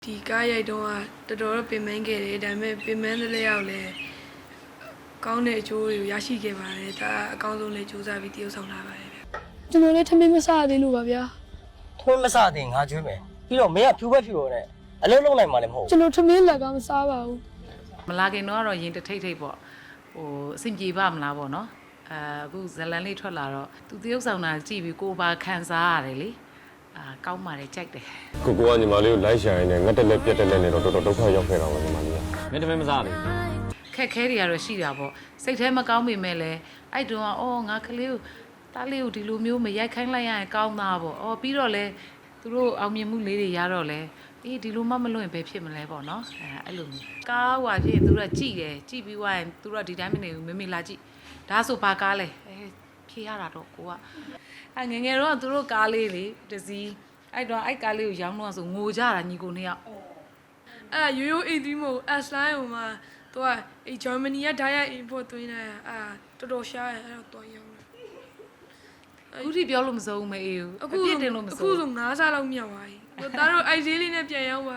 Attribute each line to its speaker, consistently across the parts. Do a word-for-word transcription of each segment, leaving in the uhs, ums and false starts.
Speaker 1: ဒီကားရိုက်တော့တော်တော်ပင်ပန်းခဲ့တယ်ဒါပေမဲ့ပင်ပန်းတဲ့လက်ရောက်လဲကောင်းတဲ့အကျိုးတွေကိုရရှိခဲ့ပါတယ်ဒါအကောင်းဆုံးလေးစူးစမ်းပြီးတည်ဆောက်လာပါတယ်ဗျကျွန်တော်လည်းထမင်းမစားသေးလို့ပါဗျာ
Speaker 2: ထွန်းမစားသေးငါကျွေးမယ်ပြီးတော့မင်းကဖြူပဲဖြူတော့နဲ့အလုံးလုံးနိုင်မှလည်းမဟုတ်
Speaker 1: ကျွန်တော်ထမင်းလက်ကမစားပါဘူး
Speaker 3: မလာခင်တော့တော့ရင်တထိတ်ထိတ်ပေါ့ဟိုအဆင်ပြေပါမလားပေါ့နော်အဲအခုဇလန်လေးထွက်လာတော့သူတရုပ်ဆောင်တာကြည့်ပြီးကိုပါခံစားရတယ်လေအာကောင်းပါတယ်ကြိုက်တယ်
Speaker 4: ကိုကိုကညီမလေးကိုလိုက်ရှာရင်းနဲ့ငတ်တက်လက်ပြက်တက်လက်နေတော့တော်တော်ဒုက္ခရောက်ခဲ့တာပါညီမလေးကမင်းတမင်မစားလေ
Speaker 3: ခက်ခဲတွေကတော့ရှိတာပေါ့စိတ်ထဲမကောင်းပေမဲ့လည်းအဲ့တုန်းကအော်ငါကလေးကိုတားလေးကိုဒီလိုမျိုးမရိုက်ခိုင်းလိုက်ရရင်ကောင်းသားပေါ့အော်ပြီးတော့လဲသူတို့အောင်မြင်မှုလေးတွေရတော့လဲအေးဒီလိုမှမလွင့်ပဲဖြစ်မလဲပေါ့နော်အဲအဲ့လိုမျိုးကားဟွာဖြစ်သူတို့ကကြည့်တယ်ကြည့်ပြီးွားရင်သူတို့ကဒီတိုင်းမနေဘူးမမေလာကြည့်ဒါဆိုဘာကားလဲအဲဖြေရတာတော့ကိုကအဲငငယ်တော့သူတို့ကားလေးလေတစည်းအဲ့တော့အဲ့ကားလေးကိုရောင်းတော့ဆိုငိုကြတာညီကိုနှစ်ယောက်
Speaker 1: အဲ့ရိုးရိုးအေးသီးမို့ S line ဟိုမှာသူကအေဂျာမနီကဓာတ်ရိုက် import သွင်းနေတာအာတော်တော်ရှားရအဲ့တော့တော်ရောင်းတယ်
Speaker 3: အခုထိပြောလို့မစုံမအေးဘူးအခုတင်လို့မစုံ
Speaker 1: အခုဆိုငါးစားလောက်မြောက်သွားပြီတို့သားတို့အိုက်ဈေးလေးနဲ့ပြန်ရောက်ပါ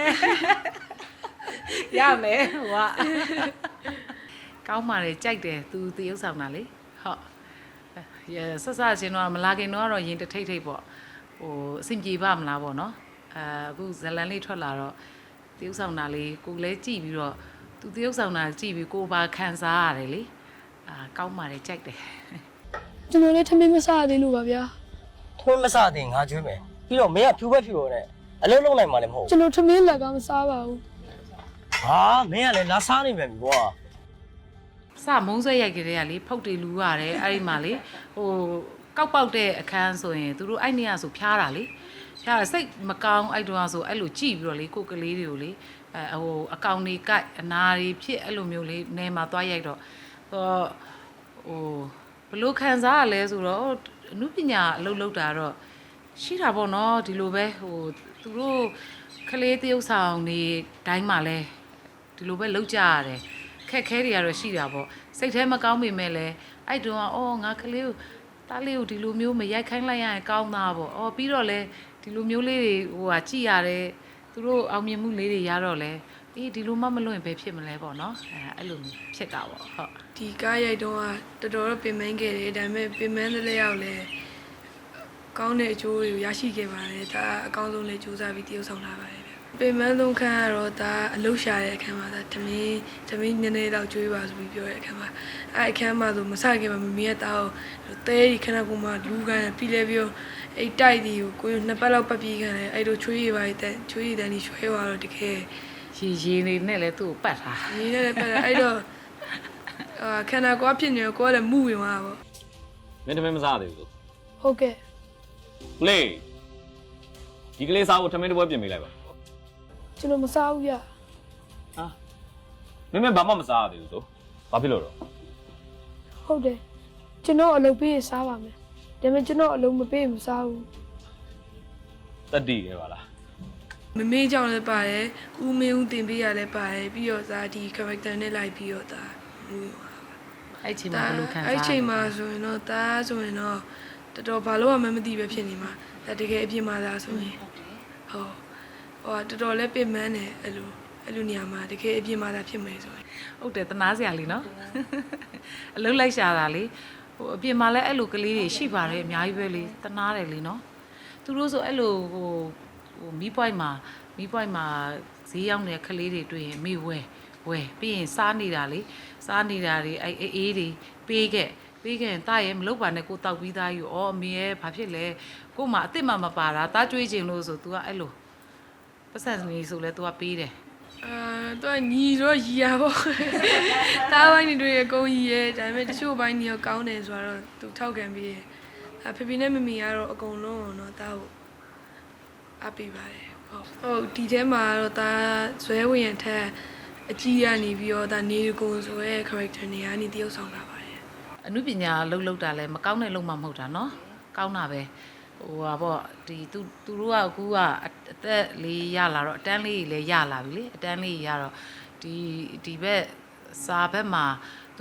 Speaker 3: ရမယ်ဟိုကကောင်းပါလေကြိုက်တယ်သူတရုပ်ဆောင်တာလေဟုတ်ရဆက်ဆက်ချင်းတော့မလာခင်တော့ရင်တထိတ်ထိတ်ပေါ့ဟိုအဆင်ပြေပါမလားပေါ့နော်အဲအခုဇလန်လေးထွက်လာတော့တရုပ်ဆောင်တာလေးကိုလည်းကြည့်ပြီးတော့သူတရုပ်ဆောင်တာကြည့်ပြီးကိုပါခံစားရတယ်လေအာကောင်းပါလေကြိုက်တယ်
Speaker 1: ကျွန်တော်လည်းထမင်းမစားသေးလို့ပါဗျာ
Speaker 2: ထွန်းမစားသေးငါကျွေးမယ်ပြီးတော့မင်းကဖြူပဲဖြူတော့နဲ့အလုံးလုံးနိုင်မှလည်းမဟုတ်
Speaker 1: ကျွန်တော်ထမင်းလက်ကမစားပါဘူး
Speaker 2: ဟာမင်းကလည်းလာစားနေပြန်ပြီကွာ
Speaker 3: စမုံဆွဲရိုက်ကြတဲ့ကလေဖုတ်တွေလူရတယ်အဲ့ဒီမှာလေဟိုကောက်ပေါက်တဲ့အခန်းဆိုရင်သူတို့အဲ့နေရဆိုဖျားတာလေဖျားစိတ်မကောင်းအဲ့တုန်းကဆိုအဲ့လိုကြည့်ပြီးတော့လေကိုကလေးတွေကိုလေအဲဟိုအကောင်တွေကြိုက်အနာတွေဖြစ်အဲ့လိုမျိုးလေးနေမှာသွားရိုက်တော့ဟိုဟိုဘလို့ခံစားရလဲဆိုတော့အမှုပညာအလုပ်လုပ်တာတော့ရှိတာပေါ့နော်ဒီလိုပဲဟိုသူတို့ကလေးတရုပ်ဆောင်နေတိုင်းမှာလဲဒီလိုပဲလုပ်ကြရတယ်ခက်ခဲတွေကတော့ရှိတာပေါ့စိတ်ထဲမကောင်းပေမဲ့လည်းအဲ့တုန်းကအော်ငါကလေးကိုတားလေးကိုဒီလိုမျိုးမရိုက်ခိုင်းလိုက်ရရင်ကောင်းသားပေါ့အော်ပြီးတော့လဲဒီလိုမျိုးလေးတွေဟိုဟာကြည့်ရတယ်သူတို့အောင်မြင်မှုလေးတွေရတော့လဲအေးဒီလိုမှမလွင့်ပဲဖြစ်မလဲပေါ့နော်အဲအဲ့လိုဖြစ်တာပေါ့ဟုတ်
Speaker 1: ဒီကားရိုက်တော့တော်တော်ပင်ပန်းခဲ့တယ်ဒါပေမဲ့ပင်ပန်းတဲ့လက်ရောက်လဲကောင်းတဲ့အကျိုးတွေကိုရရှိခဲ့ပါတယ်ဒါအကောင်းဆုံးလေးစူးစမ်းပြီးတည်ဆောက်လာပါတယ်ပင်ပန်းသုံးခန်းကတော့ဒါအလုရှာတဲ့အခန်းမှာဒါတမင်းတမင်းနည်းနည်းတော့ကျွေးပါဆိုပြီးပြောတဲ့အခန်းမှာအဲအခန်းမှာဆိုမဆခင်မှာမမီးရဲ့တာကိုတဲဒီခဏကမှလူကန်ပြီးလဲပြောအဲ့တိုက်ဒီကိုကိုနှစ်ပတ်လောက်ပတ်ပြီးခံတယ်အဲ့လိုချွေးရပါတဲ့ချွေးရတဲ့ဒီချွေးသွားတော့တကယ်
Speaker 3: ရေရေနေနဲ့လဲသူ့ကိုပတ်တာ
Speaker 1: ရေနဲ့လည်းပတ်တာအဲ့တော့အာခန္ဓာကိုယ်ဖြစ်နေကိုယ်လည်းမှုဝင်သွားတာပေါ့
Speaker 4: မင်းတမင်မစားသေးဘူး
Speaker 1: ဟုတ်ကဲ့
Speaker 4: လေဒီကလေးစားဖို့ထမင်းတစ်ပွဲပြင်ပေးလိုက်ပါ
Speaker 1: ကျွန်တော်မစားဘူးဗျ
Speaker 4: ဟာမင်းမဘာမှမစားရသေးဘူးဆိုဘာဖြစ်လို့တော့
Speaker 1: ဟုတ်တယ်ကျွန်တော်အလုပ်ပေးစားပါမယ်ဒါပေမဲ့ကျွန်တော်အလုပ်မပေးမစားဘူး
Speaker 4: တတိရဲပါလား
Speaker 1: မမေးကြောင်လည်းပါတယ်ဦးမင်းဦးတင်ပေးရလည်းပါတယ်ပြီးတော့ဒါဒီ character နဲ့လိုက်ပြီးတော့ဒါ
Speaker 3: အဲ့ချိန်မှာဘယ်လိုခံစား
Speaker 1: အဲ့ချိန်မှာဆိုရင်တော့ဒါဆိုရင်တော့တော်တော်ဘာလို့မှမသိပဲဖြစ်နေမှာဒါတကယ်အပြစ်မှာဒါဆိုရင်ဟုတ်ဟောတော်တော်လည်းပြင်မန်းတယ်အဲ့လိုအဲ့လိုနေရာမှာတကယ်အပြစ်မှာဒါဖြစ်မယ်ဆိုရင်
Speaker 3: ဟုတ်တယ်တနာစရာလေးနော်အလုံးလိုက်ရှာတာလေဟိုအပြင်မှာလည်းအဲ့လိုကလေးတွေရှိပါတယ်အများကြီးပဲလေတနာတယ်လေနော်သူတို့ဆိုအဲ့လိုဟိုဟိုမီးပွိုက်မှာမီးပွိုက်မှာဈေးရောက်နေတဲ့ကလေးတွေတွေ့ရင်မေဝဲဝဲပြီးရင်စားနေတာလေစားနေတာတွေအဲ့အေးတွေပေးခဲ့ပေးခဲ့ရင်တာရဲမလုပ်ပါနဲ့ကိုတောက်ပြီးသားယူဩအမေရဲ့ဘာဖြစ်လဲကို့မှာအစ်စ်မှမပါတာတားကြွေးခြင်းလို့ဆို तू ကအဲ့လိုပတ်စံနေဆိုလဲ तू ကပေးတယ်
Speaker 1: အာသူကညီတော့ရီရပေါ့တားပိုင်းတွေအကုန်ရီရဲဒါပေမဲ့တချို့ပိုင်းတွေရောကောင်းတယ်ဆိုတော့ तू ထောက်ခံပြီးရအဖေဖေနဲ့မမီကတော့အကုန်လုံးတော့တားကိုအပ်ပေးပါတယ်ဟုတ်ဟုတ်ဒီထဲမှာတော့တားဇွဲဝင်ရထက်အကြီးရနေပြီးတော့ဒါနေကိုဆိုရဲ character နေရာနေတရုပ်ဆောင်တာပါတယ်
Speaker 3: အမှုပညာလှုပ်လှုပ်တာလဲမကောင်းတဲ့လုံမှမဟုတ်တာเนาะကောင်းတာပဲဟိုဟာပေါ့ဒီသူသူတို့ကအခုကအသက်လေးရလာတော့အတန်းလေးလည်းရလာပြီလေအတန်းလေးရတော့ဒီဒီဘက်စာဘက်မှာသူ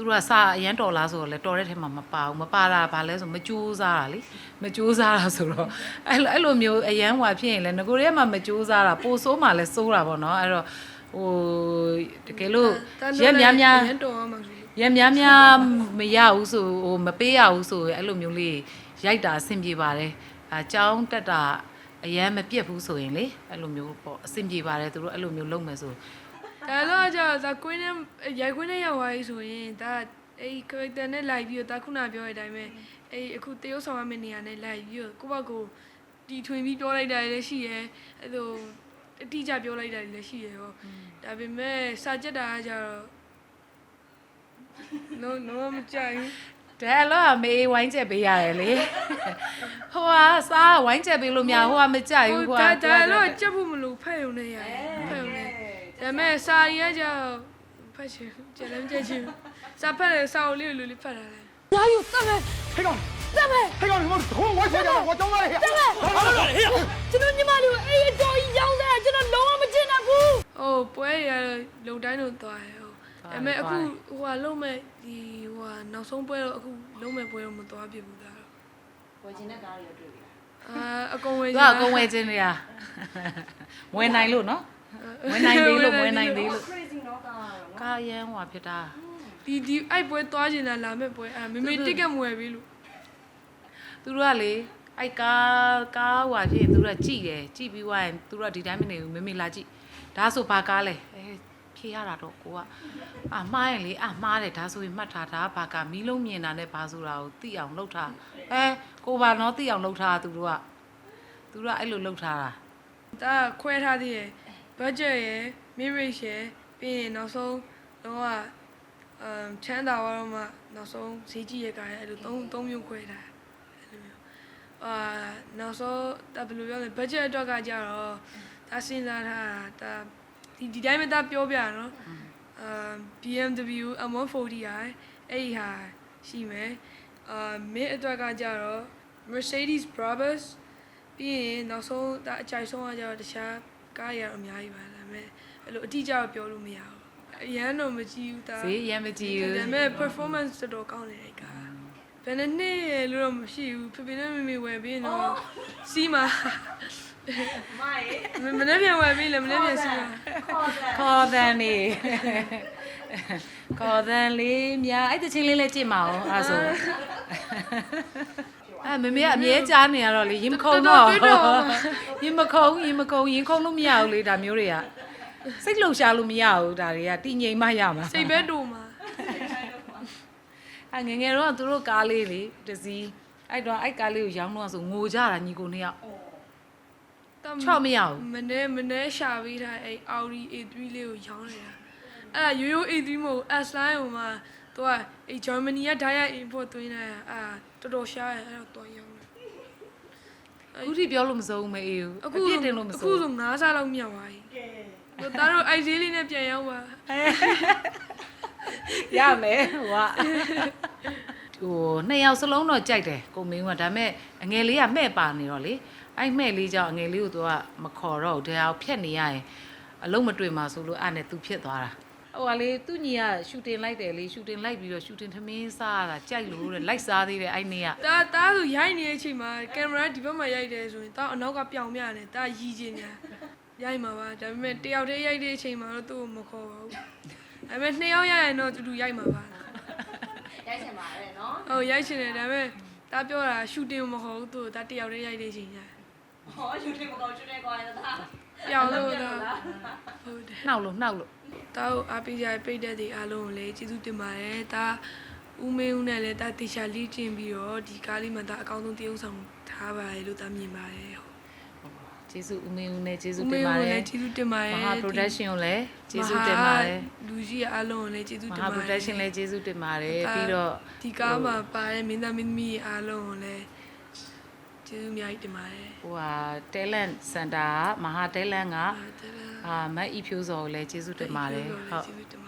Speaker 3: သူတို့ကစာအရန်တော်လားဆိုတော့လေတော်တဲ့ထဲမှာမပါဘူးမပါတာဘာလဲဆိုမကြိုးစားတာလေမကြိုးစားတာဆိုတော့အဲ့လိုအဲ့လိုမျိုးအရန်ဟွာဖြစ်ရင်လေငကိုရဲမှာမကြိုးစားတာပိုဆိုးမှလည်းစိုးတာပေါ့နော်အဲ့တော့ဟိုတကယ်လို့ရက်များများ
Speaker 1: ရန်တော်အောင်မှာဆို
Speaker 3: ရက်များများမရဘူးဆိုဟိုမပေးရဘူးဆိုအဲ့လိုမျိုးလေးရိုက်တာအဆင်ပြေပါတယ်အကြောင်းတက်တာအရန်မပြတ်ဘူးဆိုရင်လေအဲ့လိုမျိုးပေါ့အဆင်ပြေပါတယ်သူတို့အဲ့လိုမျိုးလုပ်မယ်ဆို
Speaker 1: ဒါတော့ကျတော့ဒါကွင်းနဲ့ရိုက်ကွင်းနဲ့ရောက်သွားပြီဆိုရင်ဒါအဲ့ character နဲ့လိုက်ပြီးတော့ဒါခုနပြောတဲ့အတိုင်းပဲအဲ့အခုတရုပ်ဆောင်ရမယ့်နေရာနဲ့လိုက်ပြီးတော့ကိုယ့်ဘက်ကိုတီထွင်ပြီးပြောလိုက်တာလည်းရှိရဲအဲ့လိုအတိအကျပြောလိုက်တာလည်းရှိရဲဟောဒါပေမဲ့စာကြက်တာကကျတော့ no no မကြိုက်ဘူး
Speaker 3: ဒါလောအမေဝိုင်းချက်ပေးရတယ်လေဟိုကစားဝိုင်းချက်ပေးလို့မရဟိုကမကြိုက်ဘူးဟိုက
Speaker 1: ဒါဒါတော့ကြက်ဖို့မလို့ဖက်ရုံနဲ့ရတယ်ဖက်ရုံနဲ့ဒါပေမဲ့စာရီကကျတော့ဖက်ချင်ကျန်လည်းမကြက်ချင်စာဖက်တယ်စာအုပ်လေးကိုလူလေးဖက်တာလေ
Speaker 5: 哪有这么？黑刚，这么？黑刚，你们捅我血的，我等我的。这么？这个你妈的，哎，找一样噻，这个龙我们进来不？
Speaker 1: ဟိုပွဲရလုံတိုင်းတော့သွားတယ်ဟိုဒါပေမဲ့အခုဟိုကလုံးမဲ့ဒီဟိုကနောက်ဆုံးပွဲတော့အခုလုံးမဲ့ပွဲတော့မသွားပြဘူးဒါတော့
Speaker 6: ဝယ်ချင်တဲ့ကားတွေတွေ့ပြီလား
Speaker 1: အာအကုန်ဝယ်
Speaker 3: သူကအကုန်ဝယ်ခြင်းတွေကဝင်နိုင်လို့နော်ဝင်နိုင်သေးလို့ဝင်နိုင်သေးလို့
Speaker 6: crazy เนาะကားကတော့
Speaker 3: ကာရန်ဟွာဖြစ်တာ
Speaker 1: ဒီဒီအဲ့ပွဲသွားကျင်တာလာမဲ့ပွဲအာမေမေတစ်ကက်မဝယ်ပြီလို့
Speaker 3: သူတို့ကလေအဲ့ကားကားဟွာဖြစ်ရင်သူတို့ကကြည့်တယ်ကြည့်ပြီးွားရင်သူတို့ကဒီတိုင်းမနေဘူးမေမေလာကြည့်ဒါဆိုဘာကားလဲအဲဖြေရတာတော့ကိုကအာမှားရင်လေအာမှားတယ်ဒါဆိုရင်မှတ်ထားတာဘာကားမီးလုံးမြင်တာနဲ့ဘာဆိုတာကိုသိအောင်လုပ်ထားအဲကိုပါနော်သိအောင်လုပ်ထားသူတို့ကသူတို့ကအဲ့လိုလုပ်ထားတာ
Speaker 1: ဒါခွဲထားသေးရယ် budget ရယ် mirage ရယ်ပြီးရင်နောက်ဆုံးတော့ကအမ်ချမ်းသာသွားတော့မှနောက်ဆုံးဈေးကြီးရကရအဲ့လိုသုံးသုံးမျိုးခွဲထားအဲ့လိုမျိုးအာနောက်ဆုံးဒါဘယ်လိုပြောလဲ budget အတွက်ကကြတော့ဒါစဉ်းစားထားတာဒီဒီတိုင်းမသားပြောပြရနော်အမ် B M W M one forty i အဲ့ဒီဟာရှိမယ်အာမင်းအတွက်ကကြတော့ Mercedes Brabus ပြီးရင်နောက်ဆုံးဒါအကြိုက်ဆုံးကကြတော့တခြားကားရတော့အများကြီးပါဒါပေမဲ့အဲ့လိုအတိအကျတော့ပြောလို့မရဘူးအရန်တော့မကြည့်ဘူးဒါ
Speaker 3: ဈေးရမ်းမကြည့်ဘူး
Speaker 1: ဒါပေမဲ့ performance တော်တော်ကောင်းတယ်အဲ့ကားဘယ်နဲ့နှစ်လို့တော့မရှိဘူးဖေဖေနဲ့မေမေဝယ်ပြီးတော့စီးမှာ
Speaker 6: မိုင်း
Speaker 1: မနေ့ပြန်ဝယ်ပြီးလည်းမနေ့ပြန်စီးမှာ
Speaker 6: ခေါ်တယ်
Speaker 3: ခေါ်တန်နေခေါ်တန်လေးများအဲ့တချင်းလေးလည်းကြည့်မအောင်အဲ့ဆိုအဲ့မမေကအမြဲကြားနေရတော့လေရင်မခုံတော့ရင်မခုံရင်မခုံရင်ခုံလို့မရဘူးလေဒါမျိုးတွေကစိတ်လှုပ်ရှားလို့မရဘူးဒါတွေကတည်ငြိမ်မှရမှာ
Speaker 1: စိတ်ပဲတူမှာ
Speaker 3: အဲ့ငယ်ငယ်တော့သူတို့ကားလေးလေတစည်းအဲ့တော့အဲ့ကားလေးကိုရောင်းတော့ဆိုငိုကြတာညီကိုနှစ်ယောက်ချော့မရဘူး
Speaker 1: မနေ့မနေ့ရှာပြီးထားအဲ့ Audi A three လေးကိုရောင်းနေတာအဲ့ဒါရိုးရိုး A three မဟုတ် S line ဟိုမှာသူကအဲ့ Germany က direct import သွင်းနေတာအာတော်တော်ရှားတယ်အဲ့တော့တော်ရောင်းတယ်
Speaker 3: အခုထိပြောလို့မစိုးဘူးမအေးဘူး
Speaker 1: အခု
Speaker 3: အပြစ်တင်လို့မ
Speaker 1: အခု
Speaker 3: စိုး
Speaker 1: ဆိုငါးစားလောက်မြောက်သွားပြီကဲတို့တို့အိုက်ဈေးလေးနဲ့ပြန်ရောက်ပါ
Speaker 3: ရမယ်ဟိုကဟိုနှစ်ယောက်စလုံးတော့ကြိုက်တယ်ကိုမင်းကဒါပေမဲ့အငယ်လေးကမှဲ့ပါနေတော့လေအဲ့မှဲ့လေးကြောင့်အငယ်လေးကိုသူကမခေါ်တော့ဘူးတရားဖြတ်နေရရင်အလုံးမတွေ့မှာဆိုလို့အဲ့နဲ့သူဖြစ်သွားတာဟိုကလေသူညီကရှူတင်လိုက်တယ်လေရှူတင်လိုက်ပြီးတော့ရှူတင်ထမင်းစားတာကြိုက်လို့တဲ့လိုက်စားသေးတယ်အဲ့နေ့က
Speaker 1: တာတာဆိုရိုက်နေတဲ့အချိန်မှာကင်မရာဒီဘက်မှာရိုက်တယ်ဆိုရင်တာအနောက်ကပြောင်ပြတယ်တာရီးချင်းညာရိုက်မှာပါဒါပေမဲ့တယောက်တည်းရိုက်တဲ့အချိန်မှာတော့သူ့ကိုမခေါ်ပါဘူးဒါပေမဲ့နှစ်ယောက်ရိုက်ရင်တော့တူတူရိုက်မှာပါ
Speaker 6: ရိုက်ချင်ပါတယ်เนาะ
Speaker 1: ဟုတ်ရိုက်ချင်တယ်ဒါပေမဲ့တာပြောတာရှူတင်မခေါ်ဘူးသူတာတယောက်တည်းရိုက်တဲ့အချိန်ညာ
Speaker 6: ဟောယူတယ်မကောင်းချွတ်နေကွာတာ
Speaker 1: ပြောင်လို့တာဟုတ်တယ်
Speaker 3: နှောက်လို့နှောက်လို့
Speaker 1: တာကိုအားပေးကြတဲ့ပိတ်သက်တွေအားလုံးကိုလည်းကျေးဇူးတင်ပါတယ်တာဦးမင်းဦးနဲ့လည်းတာတေချာလေးကျင်ပြီးတော့ဒီကားလေးမှာတာအကောင်းဆုံးတရုပ်ဆောင်ထားပါတယ်လို့တာမြင်ပါတယ်ဟုတ်
Speaker 3: ကျေးဇူးဦးမင်းဦးနဲ့ကျေးဇူး
Speaker 1: ဦးမ
Speaker 3: တင်
Speaker 1: င်း
Speaker 3: ပါ
Speaker 1: ဦး
Speaker 3: တ
Speaker 1: လ
Speaker 3: ယ်
Speaker 1: ည်းကျေးဇူးတင်ပါတယ်
Speaker 3: မဟာ production ကိုလည်းကျေးဇူးတင်ပါတယ်
Speaker 1: လူကြီးအားလုံးကိုလည်းကျေးဇူး
Speaker 3: မ
Speaker 1: တင်
Speaker 3: ဟာ
Speaker 1: ပါတယ်
Speaker 3: production လည်းကျေးဇူးတင်ပါတယ်ပြီးတော့
Speaker 1: ဒီကားမှာပါတဲ့မင်းသားမင်းသမီးအားလုံးကိုလည်းကျေးဇူးအများကြီးတင်ပါတယ်
Speaker 3: ဟိုဟာ talent center ကမဟာ talent က
Speaker 1: ဟုတ်တယ်လား
Speaker 3: အာမတ်ဤဖြိုးစော်ကိုလည်းကျေးဇူးတင်ပါတယ်ဟုတ်
Speaker 1: ကျေးဇူးတင်